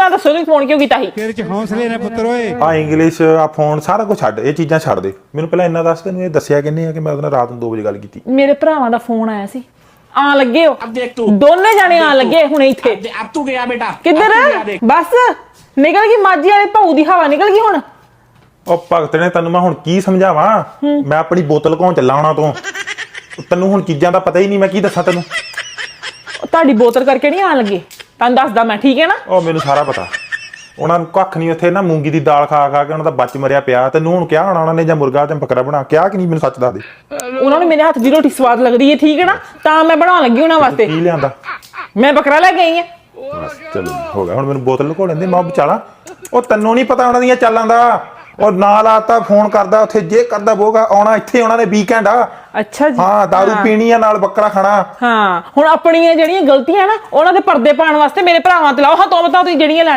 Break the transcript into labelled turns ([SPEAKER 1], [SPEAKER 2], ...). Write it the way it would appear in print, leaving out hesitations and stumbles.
[SPEAKER 1] ਤਾਂ ਦੱਸੋ ਤੁਸੀਂ ਫੋਨ ਕਿਉਂ ਕੀਤਾ ਸੀ?
[SPEAKER 2] ਤੇਰੇ ਚ ਹੌਸਲੇ ਨੇ ਪੁੱਤਰ ਓਏ।
[SPEAKER 3] ਆ ਇੰਗਲਿਸ਼ ਆ ਫੋਨ ਸਾਰਾ ਕੁਝ ਛੱਡ, ਇਹ ਚੀਜ਼ਾਂ ਛੱਡ ਦੇ। ਮੈਨੂੰ ਪਹਿਲਾਂ ਇੰਨਾ ਦੱਸ, ਤੈਨੂੰ ਇਹ ਦੱਸਿਆ ਕਿੰਨੇ ਆ ਕਿ ਮੈਂ ਉਹਦੇ ਨਾਲ ਰਾਤ ਨੂੰ 2 ਵਜੇ ਗੱਲ ਕੀਤੀ?
[SPEAKER 1] ਮੇਰੇ ਭਰਾਵਾਂ ਦਾ ਫੋਨ ਆਇਆ ਸੀ, ਆਣ ਲੱਗੇ ਹੋ
[SPEAKER 4] अब देख तू,
[SPEAKER 1] ਦੋਨੇ ਜਾਣੇ ਆਣ ਲੱਗੇ ਹੁਣੇ ਇੱਥੇ।
[SPEAKER 4] अब तू गया बेटा,
[SPEAKER 1] ਕਿੱਧਰ?
[SPEAKER 4] अब तू गया देख।
[SPEAKER 1] ਬਸ ਨਿਕਲ ਗਈ ਮਾਝੀ ਵਾਲੇ ਭਾਊ ਦੀ ਹਵਾ, ਨਿਕਲ ਗਈ ਹੁਣ।
[SPEAKER 3] ਉਹ ਭਗਤ ਨੇ ਤੈਨੂੰ ਮੈਂ ਹੁਣ ਕੀ ਸਮਝਾਵਾਂ? ਮੈਂ ਆਪਣੀ ਬੋਤਲ ਘੋਂ ਚੱਲਾ ਆਉਣਾ ਤੋਂ, ਤੈਨੂੰ ਹੁਣ ਚੀਜ਼ਾਂ ਦਾ ਪਤਾ ਹੀ ਨਹੀਂ, ਮੈਂ ਕੀ ਦੱਸਾਂ ਤੈਨੂੰ?
[SPEAKER 1] ਤੁਹਾਡੀ ਬੋਤਲ ਕਰਕੇ ਨਹੀਂ ਆਣ ਲੱਗੇ, ਤੁਹਾਨੂੰ ਦੱਸਦਾ ਮੈਂ, ਠੀਕ ਹੈ ਨਾ?
[SPEAKER 3] ਉਹ ਮੈਨੂੰ ਸਾਰਾ ਪਤਾ। ਉਹਨਾਂ ਨੂੰ ਕੱਖ ਨਹੀਂ, ਉੱਥੇ ਨਾ ਮੂੰਗੀ ਦੀ ਦਾਲ ਖਾ ਖਾ ਕੇ ਉਹਨਾਂ ਦਾ ਬੱਚ ਮਰਿਆ ਪਿਆ। ਤੈਨੂੰ ਹੁਣ ਕਿਹਾ ਹੋਣਾ ਉਹਨਾਂ ਨੇ ਜਾਂ ਮੁਰਗਾ ਤੇ ਬੱਕਰਾ ਬਣਾ ਕਿਹਾ ਕਿ ਨਹੀਂ? ਮੈਨੂੰ ਸੱਚ ਦੱਸ ਦੇ।
[SPEAKER 1] ਉਹਨਾਂ ਨੂੰ ਮੇਰੇ ਹੱਥ ਦੀ ਰੋਟੀ ਸਵਾਦ ਲੱਗਦੀ ਹੈ, ਠੀਕ ਹੈ ਨਾ? ਤਾਂ ਮੈਂ ਬਣਾਉਣ ਲੱਗੀ ਉਹਨਾਂ ਵਾਸਤੇ।
[SPEAKER 3] ਕੀ ਲਿਆਂਦਾ?
[SPEAKER 1] ਮੈਂ ਬੱਕਰਾ ਲੈ ਕੇ ਆਈ ਹਾਂ।
[SPEAKER 3] ਬਸ ਚਲੋ ਹੋ ਗਿਆ, ਹੁਣ ਮੈਨੂੰ ਬੋਤਲ ਲੁਕੋ ਲੈਂਦੇ, ਮੈਂ ਬਚਾਲਾ। ਉਹ ਤੈਨੂੰ ਨਹੀਂ ਪਤਾ ਉਹਨਾਂ ਦੀਆਂ ਚਾਲਾਂ ਦਾ। ਉਹ ਨਾਲ ਆਤਾ ਫੋਨ ਕਰਦਾ, ਉੱਥੇ ਜੇ ਕਰਦਾ ਬੋਗਾ ਆਉਣਾ, ਇੱਥੇ ਉਹਨਾਂ ਨੇ ਵੀਕਐਂਡ ਆ।
[SPEAKER 1] ਅੱਛਾ ਜੀ।
[SPEAKER 3] ਹਾਂ, ਦਾਰੂ ਪੀਣੀ ਆ, ਨਾਲ ਬੱਕਰਾ ਖਾਣਾ।
[SPEAKER 1] ਹਾਂ, ਹੁਣ ਆਪਣੀਆਂ ਜਿਹੜੀਆਂ ਗਲਤੀਆਂ ਨਾ ਉਹਨਾਂ ਦੇ ਪਰਦੇ ਪਾਉਣ ਵਾਸਤੇ ਮੇਰੇ ਭਰਾਵਾਂ ਤੇ ਲਾਓ। ਹਾਂ ਤੋਂ ਬਤਾ ਤੁਸੀਂ ਜਿਹੜੀਆਂ